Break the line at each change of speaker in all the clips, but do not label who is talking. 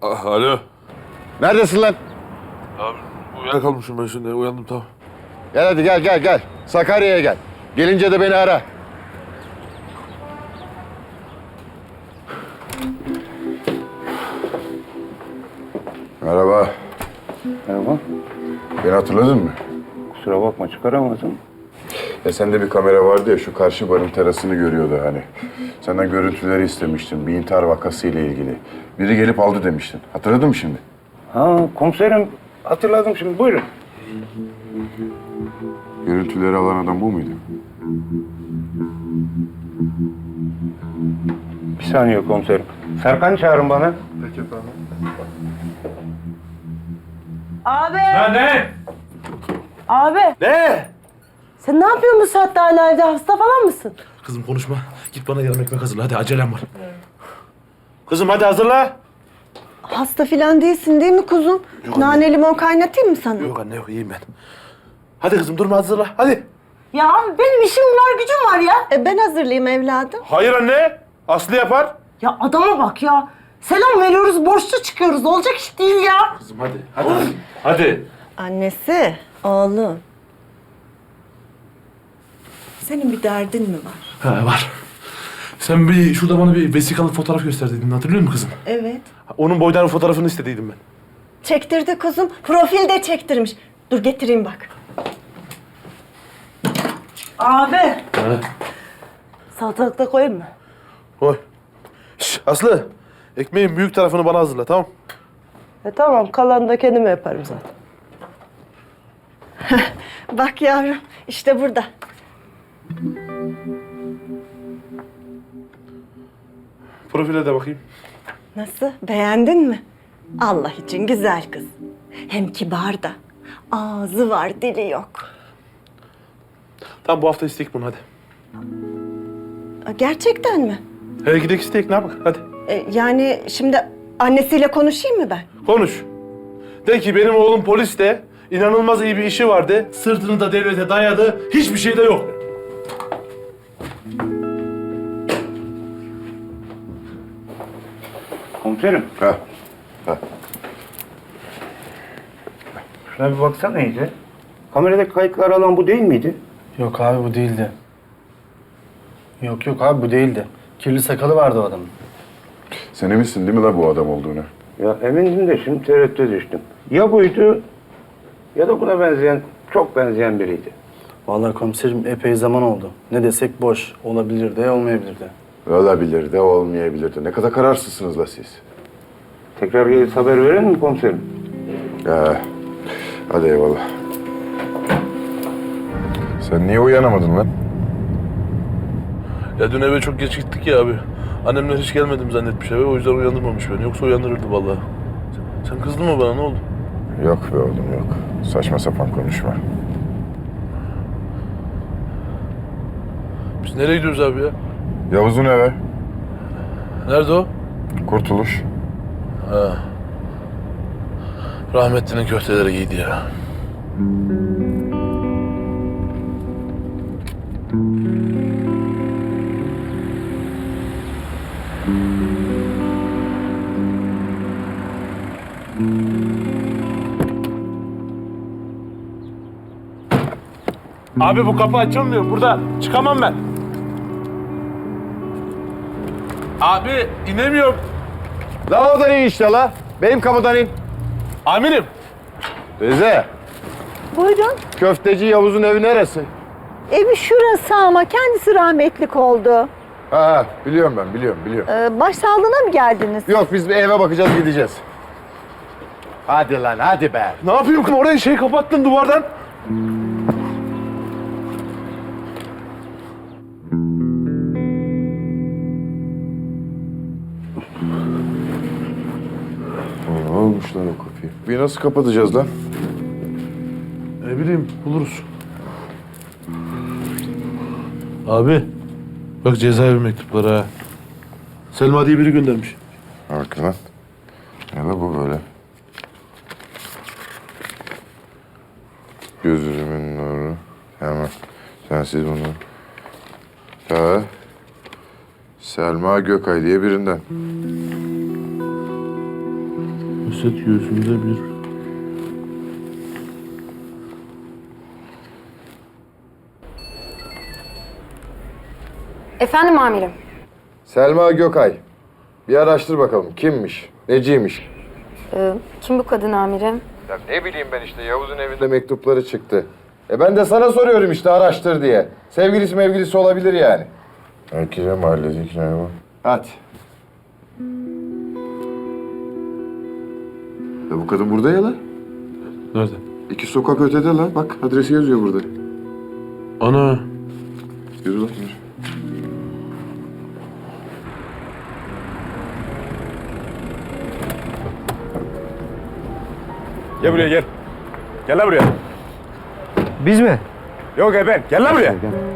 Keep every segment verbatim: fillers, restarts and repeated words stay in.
Ah, alo.
Neredesin lan?
Abi uyuyakalmışım ben şimdi. Uyandım tamam.
Gel hadi gel gel gel. Sakarya'ya gel. Gelince de beni ara. Merhaba.
Merhaba.
Beni hatırladın mı?
Kusura bakma çıkaramadım.
Ya sende bir kamera vardı ya şu karşı barın terasını görüyordu hani. Senden görüntüleri istemiştim bir intihar vakası ile ilgili. Biri gelip aldı demiştin. Hatırladın mı şimdi?
Ha komiserim hatırladım şimdi buyurun.
Görüntüleri alan adam bu muydu?
Bir saniye komiserim. Serkan çağırın bana.
Peki efendim.
Abi!
Ya ne?
Abi!
Ne?
Sen ne yapıyorsun bu saatte hala evde? Hasta falan mısın?
Kızım konuşma. Git bana yarım ekmek hazırla. Hadi acelem var. Kızım hadi hazırla.
Hasta filan değilsin değil mi kuzum?
Yok
Nane
anne.
limon kaynatayım mı sana?
Yok anne yok iyiyim ben. Hadi kızım durma hazırla. Hadi.
Ya abi benim işim var, gücüm var ya.
E ben hazırlayayım evladım.
Hayır anne. Aslı yapar.
Ya adama bak ya. Selam veriyoruz, borçlu çıkıyoruz. Olacak iş değil ya.
Kızım hadi. Hadi. Hadi.
Annesi, oğlum. Senin bir derdin mi var?
Ha, var. Sen bir şurada bana bir vesikalık fotoğraf gösterdiydin. Hatırlıyor musun kızım?
Evet.
Onun boydan fotoğrafını istediydim ben.
Çektirdi kuzum. Profil de çektirmiş. Dur getireyim bak.
Abi!
Ha.
Salatalık da koyayım mı?
Koy. Şş, Aslı. Ekmeğin büyük tarafını bana hazırla tamam.
E tamam, kalanını da kendim yaparım zaten.
Bak yavrum, işte burada.
Profile de bakayım.
Nasıl? Beğendin mi? Allah için güzel kız. Hem kibar da. Ağzı var, dili yok.
Tamam bu hafta istek bunu hadi.
Aa, Gerçekten mi?
Hele gidelim istek ne yapak hadi.
E, yani şimdi annesiyle konuşayım mı ben?
Konuş. De ki benim oğlum polis de inanılmaz iyi bir işi vardı. Sırtını da devlete dayadı. Hiçbir şey de yok.
Komiserim
Ha.
şuna bir baksana iyice. Kameradaki kayıtları alan bu değil miydi?
Yok abi bu değildi. Yok yok abi bu değildi. Kirli sakalı vardı o adamın.
Sen eminsin değil mi la bu adam olduğunu?
Ya emindim de şimdi tereddüte düştüm. Ya buydu ya da buna benzeyen, çok benzeyen biriydi.
Vallahi komiserim epey zaman oldu. Ne desek boş. Olabilir de olmayabilir de.
Olabilir de olmayabilir de. Ne kadar kararsızsınız la siz.
Tekrar gelip haber verir mi komiserim?
Ya, hadi eyvallah. Sen niye uyanamadın lan?
Ya dün eve çok geç gittik ya abi. Annemler hiç gelmedim zannetmiş eve. O yüzden uyandırmamış beni. Yoksa uyandırırdı vallahi. Sen, sen kızdın mı bana ne oldu?
Yok be oğlum yok. Saçma sapan konuşma.
Biz nereye gidiyoruz abi ya?
Yavuz'un eve.
Nerede o?
Kurtuluş.
Ha. Rahmetlinin köfteleri giydi ya. Abi bu kapı açılmıyor. Burada çıkamam ben. Abi inemiyorum.
La oradan in işte la. Benim kapıdan in.
Amirim.
Teyze.
Buyurun.
Köfteci Yavuz'un evi neresi?
Evi şurası ama kendisi rahmetlik oldu.
Ha, ha biliyorum ben biliyorum biliyorum.
Ee, başsağlığına mı geldiniz?
Yok biz bir eve bakacağız gideceğiz. Hadi lan hadi be.
Ne yapayım ki orayı şey kapattın duvardan.
Ne olmuş lan o kapıyı? Bir nasıl kapatacağız lan?
Ne bileyim buluruz. Abi bak cezaevi mektupları ha. Selma diye biri göndermiş.
Bak lan. Ne la bu böyle? Gözümün nuru. Hemen. Sensiz bunu. Ha. Selma Gökay diye birinden.
Ceset göğsünde bir...
Efendim amirim.
Selma Gökay. Bir araştır bakalım kimmiş, neciymiş.
Ee, kim bu kadın amirim?
Ya ne bileyim ben işte Yavuz'un evinde mektupları çıktı. E ben de sana soruyorum işte araştır diye. Sevgilisi mevgilisi olabilir yani. Herkese mahallesi hikaye var. Hadi. Ya bu kadın burada ya lan.
Nerede?
İki sokak ötede lan. Bak adresi yazıyor burada.
Ana.
Yürü lan yürü.
Gel buraya gel. Gel lan buraya.
Biz mi?
Yok e ben. Gel lan buraya.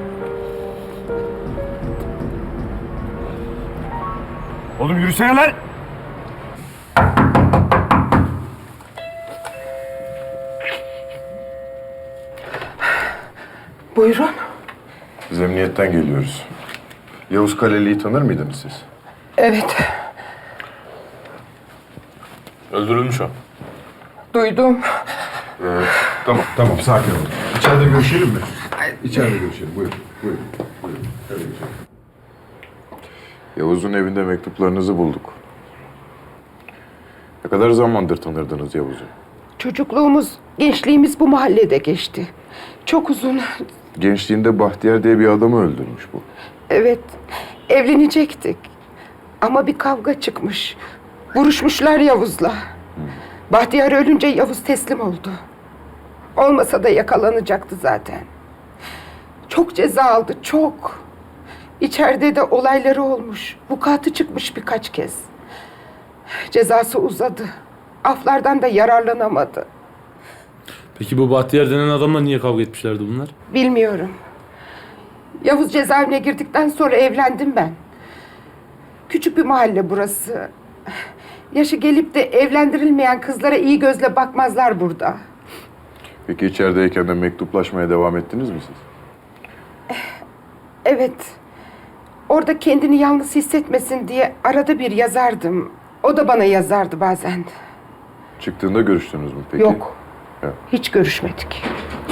Oğlum yürüsene lan.
Buyurun.
Biz emniyetten geliyoruz. Yavuz Kaleli'yi tanır mıydınız siz?
Evet,
Öldürülmüş o.
duydum.
Ee, tamam, tamam. Sakin olun. İçeride görüşelim mi? İçeride görüşelim. Buyurun, buyurun. buyurun. İçeride görüşelim. Yavuz'un evinde mektuplarınızı bulduk. Ne kadar zamandır tanırdınız Yavuz'u?
Çocukluğumuz, gençliğimiz bu mahallede geçti. Çok uzun.
Gençliğinde Bahtiyar diye bir adamı öldürmüş bu.
Evet, evlenecektik. Ama bir kavga çıkmış. Vuruşmuşlar Yavuz'la. Bahtiyar ölünce Yavuz teslim oldu. Olmasa da yakalanacaktı zaten. Çok ceza aldı, çok. İçeride de olayları olmuş. Vukuatı çıkmış birkaç kez. Cezası uzadı. Aflardan da yararlanamadı.
Peki bu Bahtiyar denen adamla niye kavga etmişlerdi bunlar?
Bilmiyorum. Yavuz cezaevine girdikten sonra evlendim ben. Küçük bir mahalle burası. Yaşı gelip de evlendirilmeyen kızlara iyi gözle bakmazlar burada.
Peki içerideyken de mektuplaşmaya devam ettiniz mi siz?
Evet. Orada kendini yalnız hissetmesin diye arada bir yazardım. O da bana yazardı bazen.
Çıktığında görüştünüz mü peki?
Yok.
Ya.
Hiç görüşmedik.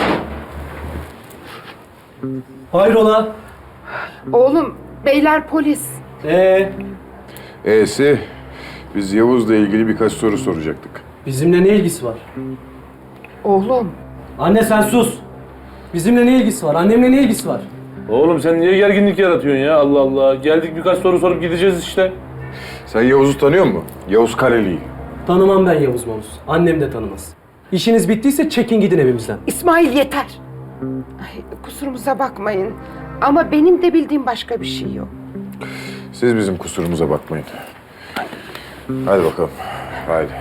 Hayrola?
Oğlum, beyler polis.
Ee,
E'si, biz Yavuz'la ilgili birkaç soru soracaktık.
bizimle ne ilgisi var?
Oğlum,
Anne sen sus. Bizimle ne ilgisi var? Annemle ne ilgisi var?
Oğlum sen niye gerginlik yaratıyorsun ya? Allah Allah. Geldik birkaç soru sorup gideceğiz işte.
Sen Yavuz'u tanıyor musun? Yavuz Kaleli'yi.
Tanımam ben Yavuz Mavuz. Annem de tanımaz. İşiniz bittiyse çekin gidin evimizden.
İsmail yeter. Ay, kusurumuza bakmayın. Ama benim de bildiğim başka bir şey yok.
Siz bizim kusurumuza bakmayın. Hadi bakalım. Haydi.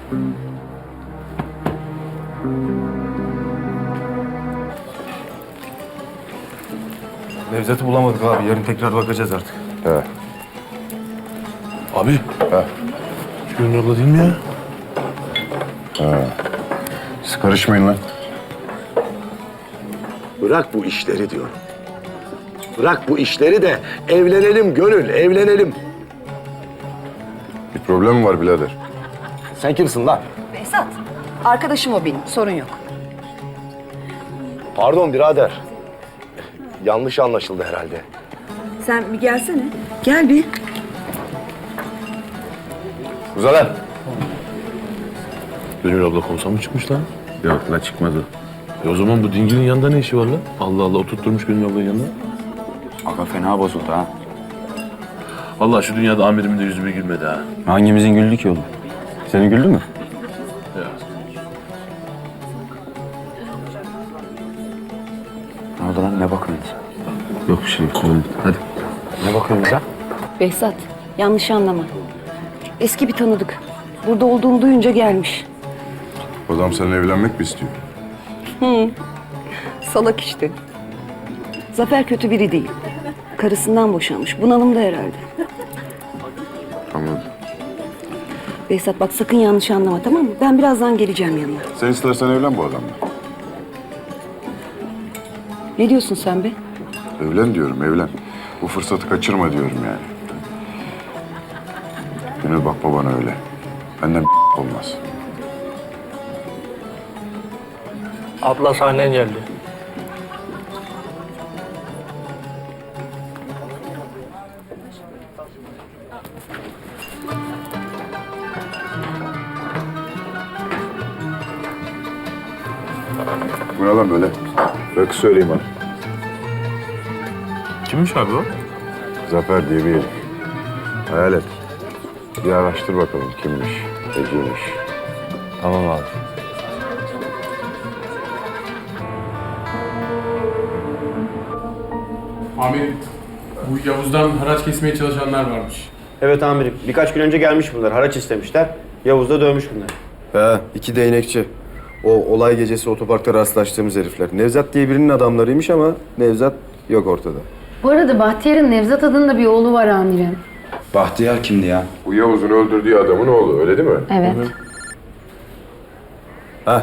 Nevzat'ı bulamadık abi. Yarın tekrar bakacağız artık.
He.
Abi.
Ha.
Şu Gönül abla değil mi ya?
Siz karışmayın lan.
Bırak bu işleri diyorum. Bırak bu işleri de evlenelim Gönül, evlenelim.
Bir problem mi var birader?
Sen kimsin lan?
Behzat, arkadaşım o benim, sorun yok.
Pardon birader. Yanlış anlaşıldı herhalde.
Sen bir gelsene. Gel bir.
Uza lan.
Gönül abla komiser mı çıkmış lan?
Yok lan çıkmadı.
E o zaman bu dingilin yanında ne işi var lan? Allah Allah oturtturmuş Gönül ablanın yanına.
Aga fena bozuldu ha.
Allah şu dünyada amirimin de yüzü bir gülmedi ha.
Hangimizin güldü ki oğlum? Senin güldü mü?
Ya.
Ne oldu lan? Ne bakıyorsunuz?
Yok bir şey yok. Hadi.
Ne bakıyorsunuz ha?
Behzat, yanlış anlama. Eski bir tanıdık. Burada olduğunu duyunca gelmiş.
Adam seninle evlenmek mi istiyor?
Salak işte. Zafer kötü biri değil. Karısından boşanmış. Bunalımda herhalde.
Anladım.
Behzat bak sakın yanlış anlama, tamam mı? Ben birazdan geleceğim yanına.
Sen istersen evlen bu adamla.
Ne diyorsun sen be?
Evlen diyorum, evlen. Bu fırsatı kaçırma diyorum yani. Gönül bakma bana öyle. Benden Olmaz.
Abla sahnen geldi.
Bu ne lan böyle? Bak söyleyeyim bana.
Kimmiş abi o?
Zafer diye bir herif. Hayal et. Bir araştır bakalım kimmiş, neciymiş.
Tamam abi.
Amirim, bu Yavuz'dan haraç kesmeye çalışanlar varmış.
Evet amirim. Birkaç gün önce gelmiş bunlar. Haraç istemişler. Yavuz da dövmüş bunları.
He, iki değnekçi. O olay gecesi otoparkta rastlaştığımız herifler. Nevzat diye birinin adamlarıymış ama Nevzat yok ortada.
Bu arada Bahtiyar'ın Nevzat adında bir oğlu var amirim.
Bahtiyar kimdi ya?
Bu Yavuz'un öldürdüğü adamın oğlu, öyle değil mi?
Evet.
Ha.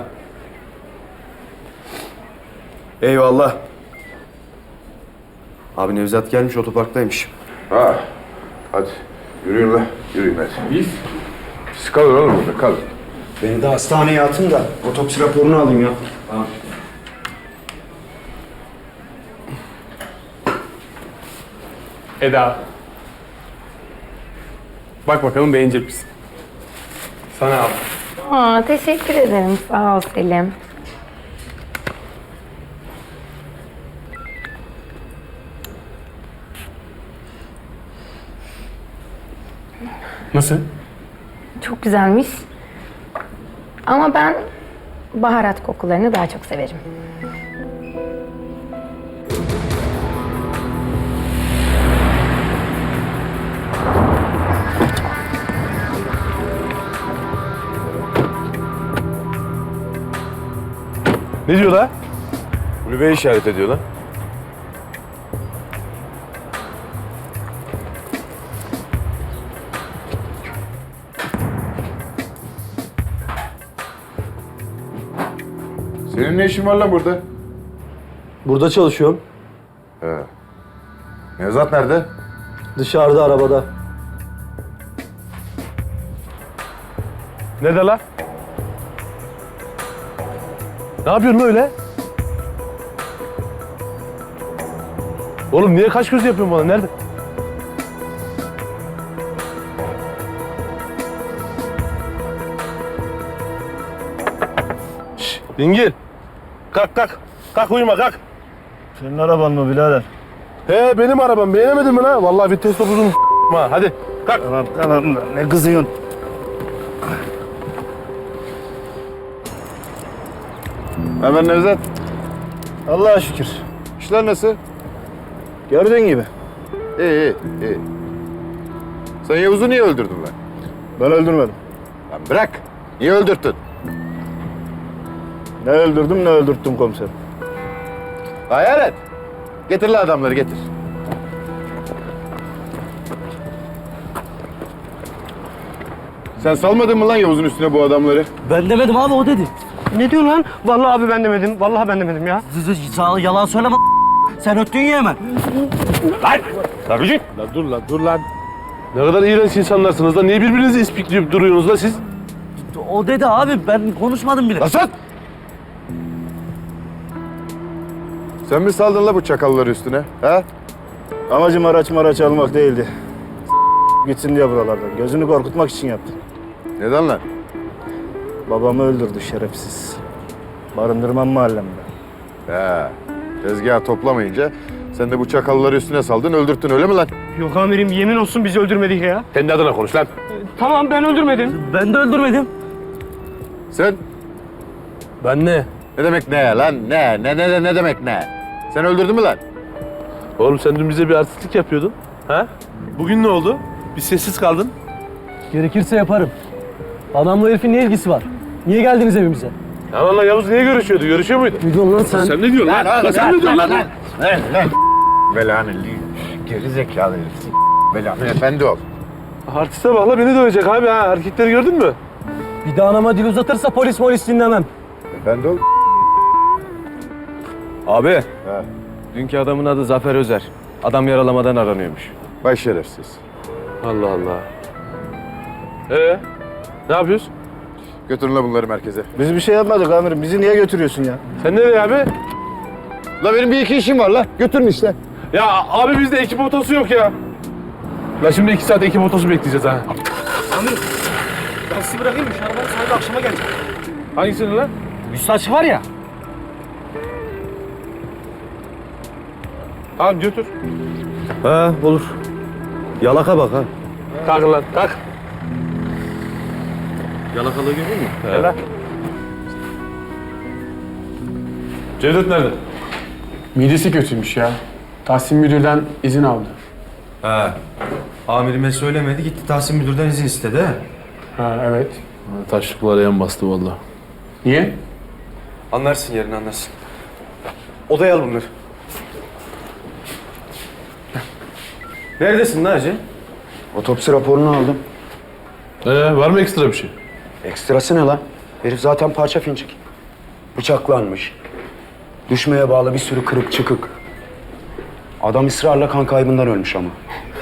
Eyvallah. Abi Nevzat gelmiş otoparktaymış.
Ha. Hadi. Yürüyün lan. Yürüyün hadi.
Biz?
Siz kalın oğlum burada, kalın.
Beni de hastaneye atın da otopsi raporunu alayım ya. Tamam.
Eda. Bak bakalım beğenecek misin? Sana al.
Aa, teşekkür ederim. Sağ ol Selim.
Nasıl?
Çok güzelmiş. Ama ben baharat kokularını daha çok severim.
Ne diyor la? Kulübe işaret ediyor lan.
Senin ne işin var lan burada?
Burada çalışıyorum.
He. Nevzat nerede?
Dışarıda arabada.
Ne de la? Ne yapıyorsun lan öyle? Oğlum niye kaş göz yapıyorsun bana? Nerede? Şşş, dingil. Kalk kalk. Kalk uyuma kalk.
Senin araban mı birader?
He benim arabam. Beğenemedin mi lan? Vallahi vites topuzunu ha. Hadi kalk.
Tamam tamam ne kızıyorsun?
Hemen Nevzat.
Allah'a şükür.
İşler nasıl?
Gördüğün gibi.
İyi iyi iyi. Sen Yavuz'u niye öldürdün lan?
Ben öldürmedim.
Lan bırak. Niye öldürttün?
Ne öldürdüm ne öldürttüm komiserim.
Hayal et. Getir lan adamları getir. Sen salmadın mı lan Yavuz'un üstüne bu adamları?
Ben demedim abi o dedi. Ne diyorsun lan? Vallahi abi ben demedim. Vallahi ben demedim ya. Sağ yalan söyleme. Sen öttün ya hemen.
Lan! Tabii. Lan dur lan dur lan. Ne kadar iğrenç insanlarsınız lan. Niye birbirinizi ispikleyip duruyorsunuz lan siz?
O dedi abi ben konuşmadım bile.
Lan sus! Sen mi saldın la bu çakalları üstüne? Ha?
Amacım araç maraç almak değildi. Gitsin diye buralardan. Gözünü korkutmak için yaptım.
Neden lan?
Babamı öldürdü şerefsiz. Barındırmam mahallemde.
He. Tezgahı toplamayınca sen de bu çakalları üstüne saldın, öldürttün öyle mi lan?
Yok amirim yemin olsun bizi öldürmedik ya.
Kendi adına konuş lan.
Tamam ben öldürmedim. Ben de öldürmedim.
Sen
Ben ne?
ne demek ne lan? Ne? Ne ne ne demek ne? Sen öldürdün mü lan?
Oğlum sen dün bize bir artistlik yapıyordun. Ha? Bugün ne oldu? Bir sessiz kaldın.
Gerekirse yaparım. Adamla herifin ne ilgisi var? Niye geldiniz evimize?
Ya lan Yavuz niye görüşüyordu? Görüşüyor muydu?
Ne diyorsun lan sen?
Sen ne diyorsun lan? Lan, sen ne diyorsun lan?
Lan lan. Belanı geri zekalı herif. Belanı efendi ol.
Artiste bak la beni dövecek abi ha. Hareketleri gördün mü?
Bir daha anama dil uzatırsa polis polis dinlemem.
Efendi ol.
Abi.
He.
Dünkü adamın adı Zafer Özer. Adam yaralamadan aranıyormuş.
Baş şerefsiz.
Allah Allah. Ee, ne yapıyoruz?
Götürün la bunları merkeze.
Biz bir şey yapmadık amirim. Bizi niye götürüyorsun ya?
Sen nereye abi?
La benim bir iki işim var la. Götürün işte.
Ya abi bizde ekip otosu yok ya. La şimdi iki saat ekip otosu bekleyeceğiz ha.
Amirim ben sizi bırakayım mı? Şu arabanın sahibi akşama gelecek.
Hangisini lan?
Üstaç var ya.
Tamam götür.
Ha olur. Yalaka bak ha.
Kalk lan kalk.
Yalakalığı görüyor musun?
Hele. Cevdet nerede?
Midesi kötüymüş ya. Tahsin müdürden izin aldı.
Ha. Amirime söylemedi, gitti Tahsin müdürden izin istedi ha.
Ha evet.
Taşlıklara yan bastı vallahi.
Niye?
Anlarsın yarın anlarsın. Odaya al bunları. Neredesin lan hacı?
Otopsi raporunu aldım.
Ee, var mı ekstra bir şey?
Ekstrası ne lan? Herif zaten parça fincik. Bıçaklanmış. Düşmeye bağlı bir sürü kırık çıkık. Adam ısrarla kan kaybından ölmüş ama.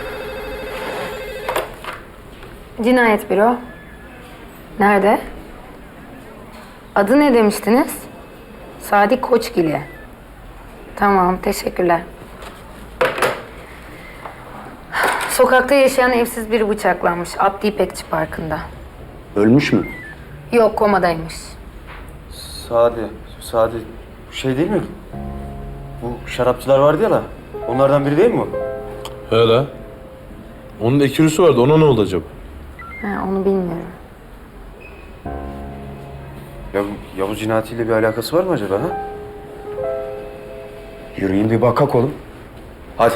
Cinayet büro. Nerede? Adı ne demiştiniz? Sadi Koçgili. Tamam, teşekkürler. Sokakta yaşayan evsiz biri bıçaklanmış. Abdi İpekçi Parkı'nda.
Ölmüş mü?
Yok, komadaymış.
Sadi, Sadi şey değil mi? Bu şarapçılar vardı ya la. Onlardan biri değil mi o?
He la. Onun ekürüsü vardı. Ona ne oldu acaba?
Ha, onu bilmiyorum.
Ya bu Yavuz cinayetiyle bir alakası var mı acaba ha?
Yürüyün bir bakak oğlum.
Hadi.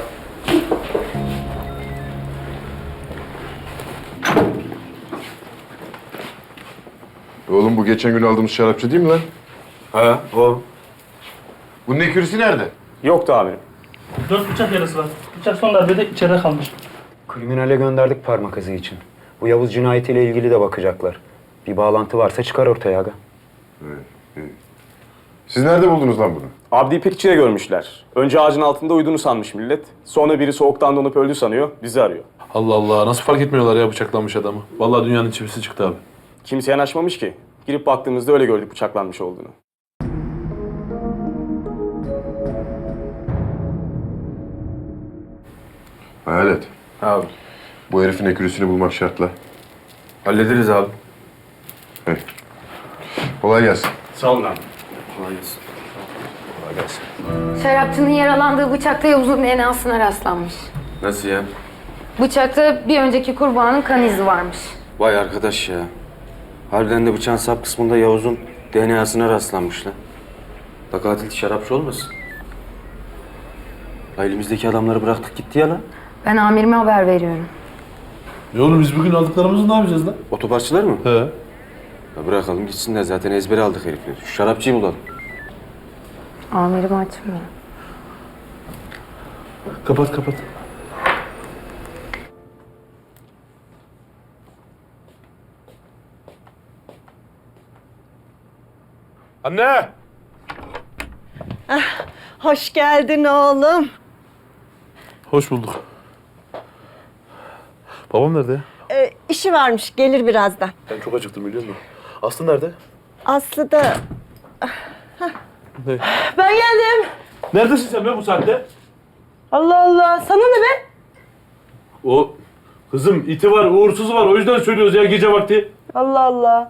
Oğlum bu geçen gün aldığımız şarapçı değil mi lan?
Ha o.
Bunun ekürüsü nerede?
Yoktu amirim.
Dört bıçak yarası var. Bıçak son darbede içeride kalmış.
Kriminale gönderdik parmak izi için. Bu Yavuz cinayetiyle ilgili de bakacaklar. Bir bağlantı varsa çıkar ortaya aga.
Siz nerede buldunuz lan bunu?
Abdi İpekçi'ye görmüşler. Önce ağacın altında uyuduğunu sanmış millet. Sonra biri soğuktan donup öldü sanıyor, bizi arıyor.
Allah Allah. Nasıl fark etmiyorlar ya bıçaklanmış adamı? Vallahi dünyanın çivisi çıktı abi.
Kimse yanaşmamış ki. Girip baktığımızda öyle gördük bıçaklanmış olduğunu.
Hayalet.
Abi.
Bu herifin ekürüsünü bulmak şartla.
Hallederiz abi.
Hey. Kolay gelsin.
Sağ olun abi.
Kolay gelsin.
Kolay gelsin.
Şarapçının yaralandığı bıçakta Yavuz'un D N A'sına rastlanmış.
Nasıl ya?
Bıçakta bir önceki kurbanın kan izi varmış.
Vay arkadaş ya. Harbiden de bıçağın sap kısmında Yavuz'un D N A'sına rastlanmış lan. Da katil şarapçı olmasın? La elimizdeki adamları bıraktık gitti ya lan.
Ben amirime haber veriyorum.
Ya oğlum biz bugün aldıklarımızı ne yapacağız lan?
Otoparkçılar mı?
He.
Ya bırakalım gitsinler zaten ezbere aldık herifleri. Şu şarapçıyı bulalım.
Amirim açmıyor.
Kapat kapat. Anne!
Hoş geldin oğlum.
Hoş bulduk. Babam nerede ya?
Ee, işi varmış, gelir birazdan.
Ben çok acıktım biliyor musun? Aslı nerede?
Aslı da...
Ne?
Ben geldim.
Neredesin sen be bu saatte?
Allah Allah. Sana ne be?
O kızım iti var, uğursuzu var. O yüzden söylüyoruz ya gece vakti.
Allah Allah.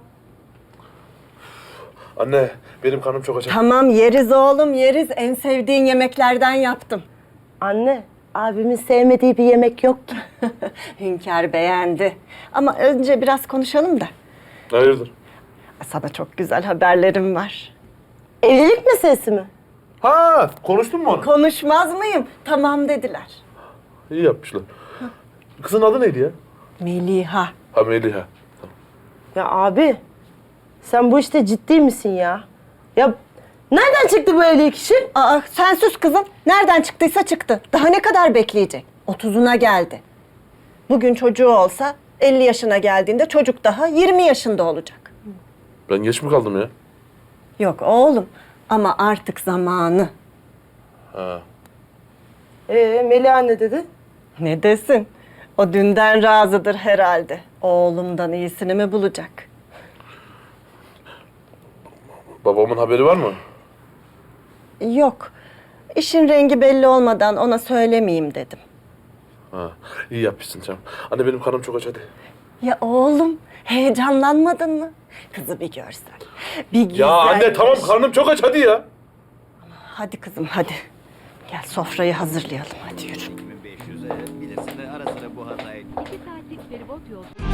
Anne, benim karnım çok aç.
Tamam yeriz oğlum, yeriz. En sevdiğin yemeklerden yaptım.
Anne, abimin sevmediği bir yemek yok ki.
Hünkâr beğendi. Ama önce biraz konuşalım da.
Hayırdır?
Sana çok güzel haberlerim var.
Evlilik meselesi mi?
Ha, konuştun mu onu?
Konuşmaz mıyım? Tamam dediler.
İyi yapmışlar. Kızın adı neydi ya?
Meliha.
Ha Meliha.
Ya abi, sen bu işte ciddi misin ya? Ya nereden çıktı bu evlilik işi?
Aa, sen sus kızım. Nereden çıktıysa çıktı. Daha ne kadar bekleyecek? Otuzuna geldi. Bugün çocuğu olsa elli yaşına geldiğinde çocuk daha yirmi yaşında olacak.
Ben geç mi kaldım ya?
Yok oğlum ama artık zamanı.
Ha.
Ee, Meliha ne dedi?
Ne desin? O dünden razıdır herhalde. Oğlumdan iyisini mi bulacak?
Babamın haberi var mı?
Yok. İşin rengi belli olmadan ona söylemeyeyim dedim.
Ha, iyi yapmışsın canım. Anne benim karnım çok aç hadi.
Ya oğlum, heyecanlanmadın mı? Kızı bir görsen. Bir güzelmiş.
Ya anne tamam karnım çok aç hadi ya.
Hadi kızım hadi. Gel sofrayı hazırlayalım hadi yürü.
iki saatlik feribot yolculuğu.